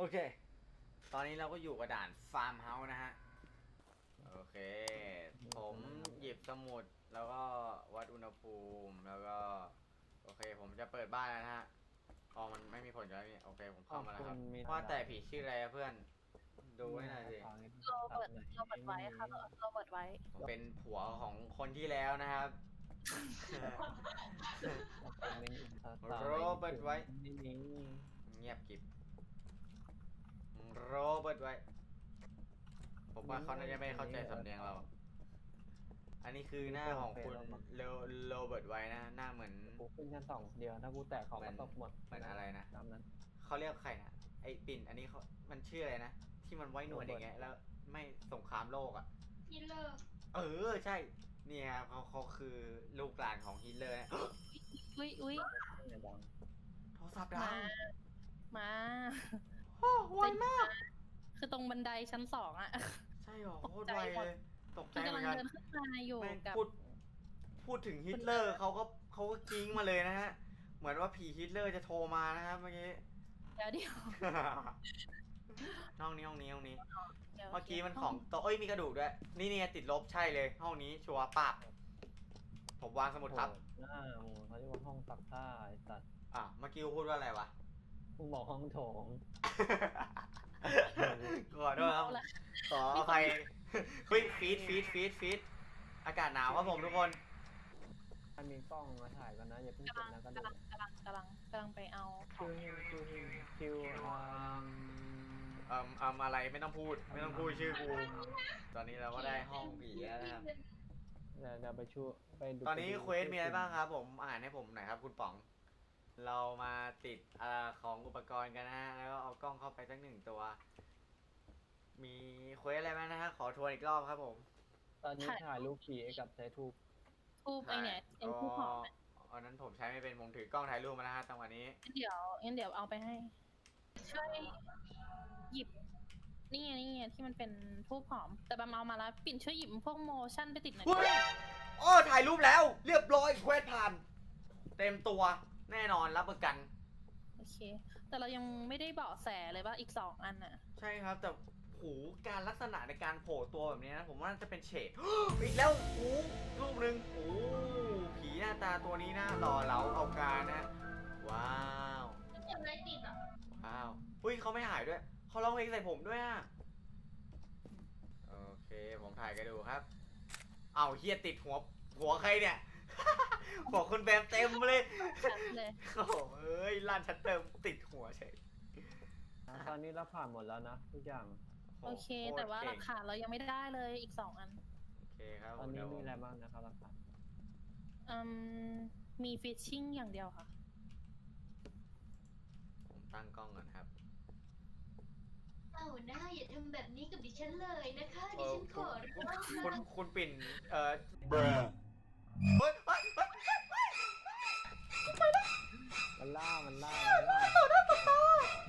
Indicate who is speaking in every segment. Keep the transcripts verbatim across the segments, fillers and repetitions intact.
Speaker 1: เคตอนนี้เราก็อยู่กับด่านฟาร์มเฮาส์นะฮะโอเคผมหยิบสมุดแล้วก็วัดอุณหภูมิแล้วก็โอเคผมจะเปิดบ้านแล้วนะฮะอ๋อมันไม่มีผลใช่ไหมพี่โอเคผมเข้ามาแล้วครับว่าแต่ผีชื่ออะไรเพื่อนดูให้หน่อยสิ
Speaker 2: โรเบิร์ตโรเบิร์ตไว้ค่ะโรเบิร์ตไว้
Speaker 1: ผมเป็นผัวของคนที่แล้วนะครับโรเบิร์ตไว้เงียบกิบโรเบิร์ตไว้ผมว่าเขาน่าจะไม่เข้าใจสำเนียงเรา อันนี้คือหน้าของคุณโรโรเบิร์ตไว้นะหน้าเหมือน
Speaker 3: กูขึ้นชั้นสองเดียวถ้ากูแตกของก็ตกหมด
Speaker 1: เหมือนอะไรนะ
Speaker 3: ตามนั้น
Speaker 1: เขาเรียกใครนะไอ้ปิ่นอันนี้เขามันชื่ออะไรนะที่มันไว้หนวดอย่างเงี้ยแล้วไม่สงครามโลกอ่ะ
Speaker 2: ฮิตเลอร์
Speaker 1: เออใช่เนี่ยเขาเขาคือลูกหลานของฮิตเลอร์นะ
Speaker 2: อุ้ยอุ้ย
Speaker 1: โทรศัพท์ดัง
Speaker 2: มา
Speaker 1: โอ้ไวมาก
Speaker 2: คือตรงบันไดชั้นสองอะ
Speaker 1: ใช่หรอโคตรไวเลยตกใจเหมือนกัน
Speaker 2: เดินขึ้นมาอยู่กับ
Speaker 1: พูดพูดถึงฮิตเลอร์เขาก็เขาก็กิ้งมาเลยนะฮะเหมือนว่าผีฮิตเลอร์จะโทรมานะครับเมื่อกี้
Speaker 2: เดี๋ยวเดี๋ยว
Speaker 1: ห้องนี้ห้องนี้ห้องนี้เมื่อกี้มันของโต๊ะเอ้ยมีกระดูกด้วยนี่นี่ติดลบใช่เลยห้องนี้ชัวร์ปากผมวางสมุดครับ
Speaker 3: หน้ามึงเขาเรียกว่าห้องซักผ้าไอ้สัตว์
Speaker 1: อ่ะเมื่อกี้พูดว่าอะไรวะ
Speaker 3: มึงบอกห้องโถง
Speaker 1: ขอโทษครับขออภัยฟีดฟีดฟีดฟีดฟีดอากาศหนาวครับผมทุกคน
Speaker 3: ถ้ามีกล้องมาถ่ายกันนะอย่าเพิ่งเก็บนะก็
Speaker 2: ดูกำลังกำลังกำลังกำลังไปเอา
Speaker 3: คิวคิวคิว
Speaker 1: อืมอืมอืมอะไรไม่ต้องพูดไม่ต้องพูดชื่อกูตอนนี้เราก็ได้ห้องผีแล้วนะครับ
Speaker 3: เดี๋ยวเดี๋ยวไปช่วยไปดู
Speaker 1: ตอนนี้เควสมีอะไรบ้างครับผมอ่านให้ผมหน่อยครับคุณป๋องเรามาติดอ่าของอุปกรณ์กันนะฮะแล้วก็เอากล้องเข้าไปสักหนึ่งตัวมีเควสอะไรไหมนะฮะขอทวนอีกรอบครับผม
Speaker 3: ตอนนี้ถ่ายรูปผีกับใช้ทูบ
Speaker 2: ทูบไอเนี่ยไอทูบหอม
Speaker 1: อันนั้นผมใช้ไม่เป็นผมถือกล้องถ่ายรูปมานะฮะจังหวะนี้
Speaker 2: เดี๋ยวงั้นเดี๋ยวเอาไปให้ช่วยหยิบนี่ไงนี่ไงที่มันเป็นทูบหอมแต่บำเอามาแล้วปิ่นช่วยหยิบพวกโมชั่นไปติดหน่อย
Speaker 1: โอ้ถ่ายรูปแล้วเรียบร้อยเควสผ่านเต็มตัวแน่นอนรับประกัน
Speaker 2: โอเคแต่เรายังไม่ได้เบาะแสเลยว่าอีกสองอันน่ะ
Speaker 1: ใช่ครับแต่หูการลักษณะในการโผล่ตัวแบบนี้นะผมว่าจะเป็นเฉดอีกแล้วหูรูปหนึ่งโอ้ผีหน้าตาตัวนี้นะหล่อเหลาเอาการนะว้าว
Speaker 2: ยังไงติดอ่ะ
Speaker 1: ว้าวอุ้ยเขาไม่หายด้วยเขาร้องเพลงใส่ผมด้วยอ่ะโอเคผมถ่ายกันดูครับเอาเฮียติดหัวหัวใครเนี่ยหัวคุณแบมเต็มเลยโอ้เอ้ยลั่นชัดเติมติดหัวเฉย
Speaker 3: ตอนนี้เราผ่านหมดแล้วนะทุกอย่าง
Speaker 2: โอเคแต่ว่าราคาเรายังไม่ได้เลยอีกสองอัน
Speaker 1: โอเคครับ
Speaker 3: ตอนนี้มีอะไรบ้างนะครับราคา
Speaker 2: อืมมีฟิชชิ่งอย่างเดียวค่ะ
Speaker 1: ผมตั้งกล้องก่อนครับ
Speaker 2: เอาหน้าอย่าทำแบบนี้กับดิฉันเลยนะคะดิฉันขอร้อง
Speaker 1: คุณคุณปิ่นเอ่อเฮ้ยเฮ้ยเฮ้ย
Speaker 3: มันล่ามันล่ามันล่า
Speaker 1: ต่อหน้าต่อตา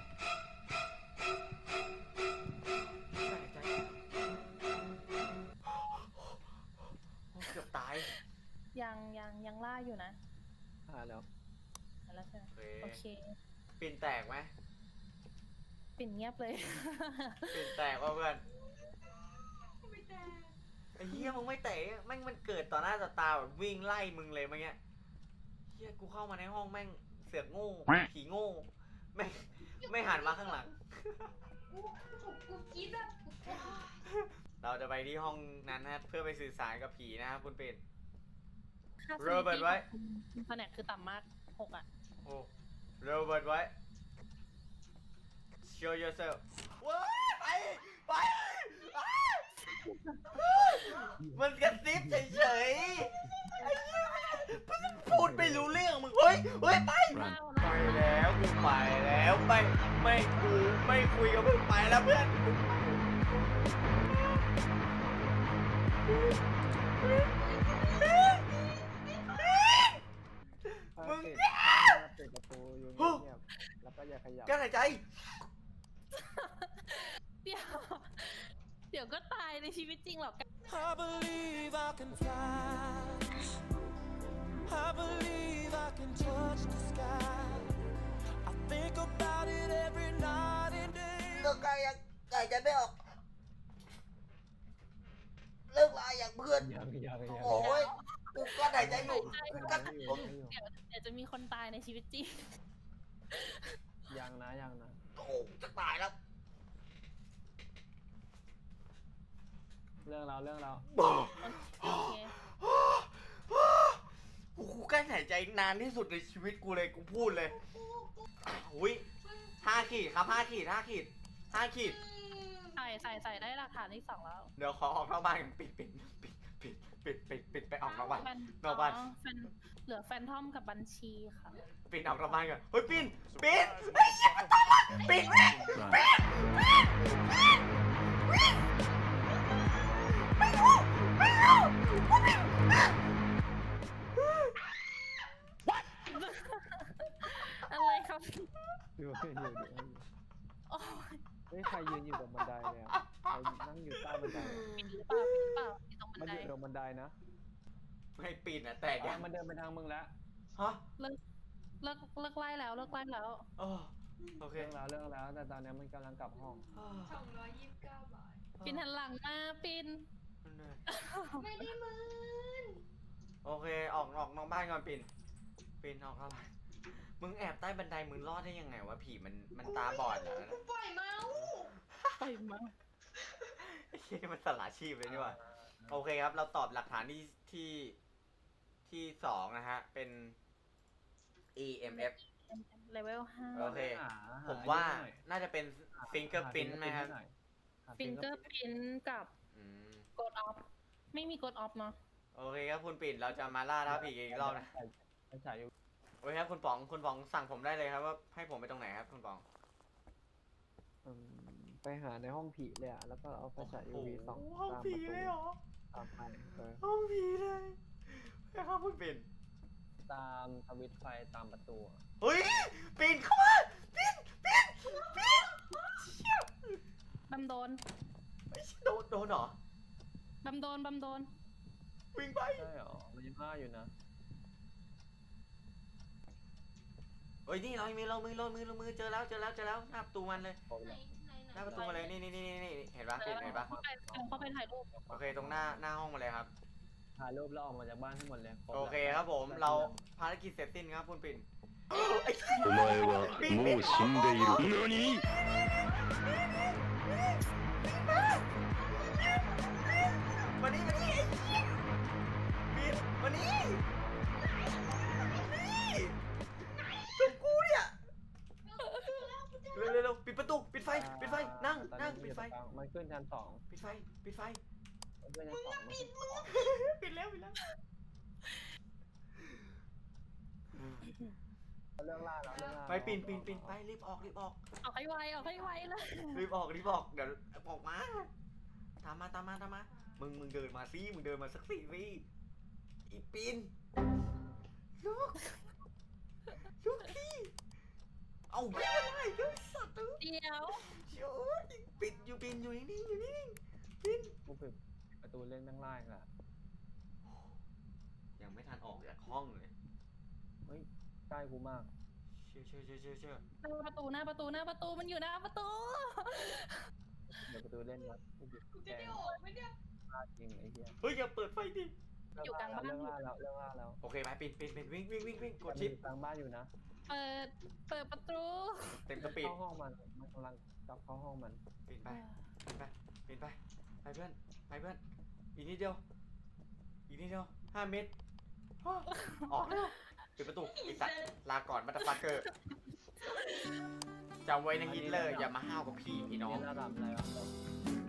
Speaker 1: เกือบตาย
Speaker 2: ยังยังยังล่าอยู่นะ
Speaker 3: อ่าแล้ว
Speaker 2: แล้วใช่ไหมโอเค
Speaker 1: ปิ่นแตกไหม
Speaker 2: ปิ่นเงียบเลย
Speaker 1: ปิ่นแตกว่ะเพื่อนไม่แตกไอ้เหี้ยมึงไม่แตกแม่งมันเกิดต่อหน้าต่อตาแบบวิ่งไล่มึงเลยเมื่อกี้เหี้ยกูเข้ามาในห้องแม่งเสือกโง่ผีโง่ไม่ไม่หันมาข้างหลัง
Speaker 2: กูคิดแบบ
Speaker 1: เราจะไปที่ห้องนั้นนะเพื่อไปสื่อสารกับผีนะครับคุณเป็ด
Speaker 2: โรเบิร์ตไว้แผนกคือต่ำมากหกอ่ะ
Speaker 1: โอ้โรเบิร์ตไว้ show yourself ว้าไปไปมันกระซิบเฉยๆไอ้เหี้ยพูดไม่รู้เรื่องมึงเฮ้ยเฮ้ยไปไปแล้วกูไปแล้วไม่ไม่กูไม่คุยกับมึงไปแล้วเพื่อน
Speaker 3: มึงเปิดประตูอยู่เงียบแล้วก็อย่าขยับ
Speaker 1: กั้นหายใจ
Speaker 2: เดี๋ยวเดี๋ยวก็ตายในชีวิตจริงหรอก
Speaker 4: I believe I can fly I believe I can touch the sky I think about it every night and day
Speaker 1: หายใจไม่ออกเลิกลาอย่างเพื่อน
Speaker 3: ยังยังยัง
Speaker 1: โอ้ยกูก็หายใจอยู่กูก็
Speaker 3: ยังอยู่ยังอยู่
Speaker 2: เดี๋ยวเดี๋ยวจะมีคนตายในชีวิตจริง
Speaker 3: ยังนะยังนะ
Speaker 1: โอ้จะตายแล้ว
Speaker 3: เรื่องเราเรื่องเรา
Speaker 2: โอเค
Speaker 1: กูกูกั้นหายใจนานที่สุดในชีวิตกูเลยกูพูดเลยอุ้ยห้าขีดครับห้าขีดห้าขีดห้าขีด
Speaker 2: ใส่ใส่ใส่ได้หลักฐานที่สองแล้ว
Speaker 1: เดี๋ยวขอออกนอกบ้านกันปิดปิดปิดปิดปิดปิดปิดไปออกนอกบ้าน
Speaker 2: แฟน
Speaker 1: นอกบ้าน
Speaker 2: อ๋อแฟนเหลือแฟนทอมกับบัญชีค่ะ
Speaker 1: ปิดออกนอกบ้านก่อนเฮ้ยปินปินไอ้เหี้ยมันตามมาปิดปิดปิดปิดปิดไม่รู้ไม่รู้กูปิด
Speaker 2: อะไรครับ
Speaker 3: อยู่อยู่อยู่อยู่
Speaker 2: โอ้ย
Speaker 3: เฮ้ยใครยืนอยู่ตรงบันไดเนี่ยใครนั่งอยู่ใต้บันได
Speaker 2: ปิดหรือเปล่าปิดหรือเปล่าอยู่ตรงบัน
Speaker 3: มัน
Speaker 2: ได
Speaker 3: อยู่ตรงบันไดนะ
Speaker 1: ไม่ปิดนะแตก
Speaker 3: อ่ะ
Speaker 1: ยัง
Speaker 3: มันเดินไปทางมึงแล้ว
Speaker 1: ฮะ
Speaker 2: เลิกเลิกเลิกไล่แล้วเลิกไล่แล้ว
Speaker 1: เออโอเค
Speaker 3: เรื่องแล้วเรื่องแล้วแต่ตอนนี้มันกำลังกลับห้อง
Speaker 5: สองร้อยยี่สิบเก้าบาท
Speaker 2: ปินหันหลังมาปิน
Speaker 5: ไม่ได้มืน
Speaker 1: โอเคออกออกนอกบ้านก่อนปินปินออกนอกบ้านมึงแอบใต้บันไดมึงรอดได้ยังไงวะผีมันมันตาบอดเหรอ
Speaker 5: กูปล่อยเมาส์
Speaker 2: ปล่อยมา
Speaker 1: ไอ้เหี้ยมันสละชีพเลยนี่หว่าโอเคครับ เราตอบหลักฐานที่ที่ที่สองนะฮะ เป็น E M F
Speaker 2: เลเวลห้า
Speaker 1: โอเค
Speaker 3: หาห
Speaker 1: ผมว่า
Speaker 3: หน่อย
Speaker 1: น่าจะเป็น fingerprint ไหมครับ
Speaker 3: หา
Speaker 2: ฟิงเกอ
Speaker 3: fingerprint
Speaker 2: ร์พินกับ
Speaker 1: อืม
Speaker 2: กดออฟไม่มีกดออฟเนาะ
Speaker 1: โอเคครับคุณปิ่นเราจะมาล่าท้าผีอีกรอบนะ
Speaker 3: ใช้ฉายอยู่
Speaker 1: โอเคครับคุณป๋องคุณป๋องสั่งผมได้เลยครับว่าให้ผมไปตรงไหนครับคุณป๋อง
Speaker 3: อืมไปหาในห้องผีเลยอ่ะแล้วก็เอาไฟฉาย ยู วี ส่อง
Speaker 1: ห้อง
Speaker 3: ตาม
Speaker 1: ผี
Speaker 3: ประตู
Speaker 1: เลยเหรอ
Speaker 3: ตามไปเออ
Speaker 1: ห้องผีเลยครับคุณปิ่น
Speaker 3: ตามสวิตช์ไฟตามประตูอะ
Speaker 1: เฮ้ยปิ่นเข้ามาปิ่นปิ่นปิ่นเชี่ย
Speaker 2: บำโดน
Speaker 1: ไอ้เชี่ยโดนโดนเหรอบ
Speaker 2: ำโดนบำโดน
Speaker 1: วิ่งไป
Speaker 3: ใช่เหรอมันยังห้าอยู่นะ
Speaker 1: เฮ้ยนี่เรามีเรามือเรามือเรามือเจอแล้วเจอแล้วเจอแล้วหน้าประตูมันเลย
Speaker 3: โอ้ย
Speaker 5: ไหนไหนไหน
Speaker 1: หน้าประตูมาเลยนี่นี่นี่นี่เห็นปะปิ่นเห็นปะ
Speaker 2: เข้าไปเข้าไปถ่ายรูป
Speaker 1: โอเคตรงหน้าหน้าห้องมาเลยครับ
Speaker 3: ถ่ายรูปแล้วออกมาจากบ้านทั้งหมดเลยรบ
Speaker 1: โอ
Speaker 3: แล้ว
Speaker 1: เคครับผมเราภารกิจเสร็จสิ้นครับคุณปิ่นไอ้
Speaker 6: お前はもう死んでいる。何
Speaker 1: มานี่มานี่ไอ้เหี้ยปิดมานี่นี่ตัวกูเนี่ยเร็วเร็วเร็วปิดประตูปิดไฟปิดไฟนั่ง
Speaker 3: ตอ
Speaker 1: นั่ง
Speaker 3: มั
Speaker 1: ปิดไฟ
Speaker 3: อยู่ตรงกลางมันขึ้นชั้นสอง
Speaker 1: ปิดไฟปิดไฟ
Speaker 3: มันขึ้นชั้นสองมันขึ้นชั้นสอง
Speaker 1: ปิดแล้วปิดแล้ว
Speaker 3: เรื่องล่าแล้วเรื่องล่า
Speaker 1: ไปปิ่นปิ่นปิ่นไปรีบออกรีบออก
Speaker 2: ออกให้ไวออกให้ไวเลย
Speaker 1: รีบออกรีบออกเดี๋ยวออกมาตามมาตามมาตามมามึงมึงเดินมาสิมึงเดินมาสักสี่วิอีปิ่นลูกลูกพี่เอาไม่ได้เดี๋ยวไอ้สัตว์เอ้ย
Speaker 2: เดี๋ยว
Speaker 1: โอ้ยปิดอยู่ปิ่นอยู่นิ่งๆอยู่นิ่งๆปิ่น
Speaker 3: กูปิดประตูเล่นแม่งไล่ละ
Speaker 1: ยังไม่ทันออกจากห้องเลย
Speaker 3: เฮ้ยใกล้กูมาก
Speaker 1: เชื่อเชื่อเชื่อเชื่อเชื่อ
Speaker 2: หน้าประตูหน้าประตูหน้าประตูมันอยู่หน้าประตู
Speaker 3: เดี๋ยวประตูเล่นนะกูปิด
Speaker 5: กู
Speaker 3: แก
Speaker 5: จะ
Speaker 3: ง
Speaker 5: ได้ออกไหมเนี่ย
Speaker 3: พลาดจริงไอ้เหี้ย
Speaker 1: เฮ้ยอย่าเปิดไฟดิ
Speaker 2: อยู่กลางบ้าน
Speaker 3: เรื่องล่าแล้วเรื่องล่าแล้ว
Speaker 1: โอเคไปปิ่นปิ่นปิ่นวิ่งวิ่งวิ่งวิ่งกด
Speaker 3: มัน
Speaker 1: ชิป
Speaker 3: อยู่กลางบ้านอยู่นะ
Speaker 2: เปิดเปิดประตู
Speaker 1: เต็มสปีด
Speaker 3: เข้าห้องมันมันกำลังกลับเข้าห้องมัน
Speaker 1: ปิ่นไป ปิดไปปิดไป ไปเพื่อน ไปเพื่อน อีกนิดเดียว อีกนิดเดียวห้าเมตรอ้อออกแล้วปิดประตูไอสัตว์ลาก่อนมาตาฟักเกอร์จำไว้นะฮิตเลอร์ อย่ามาห้าวกับพี่พี่น้อง
Speaker 3: นี่ระดับอะไรวะ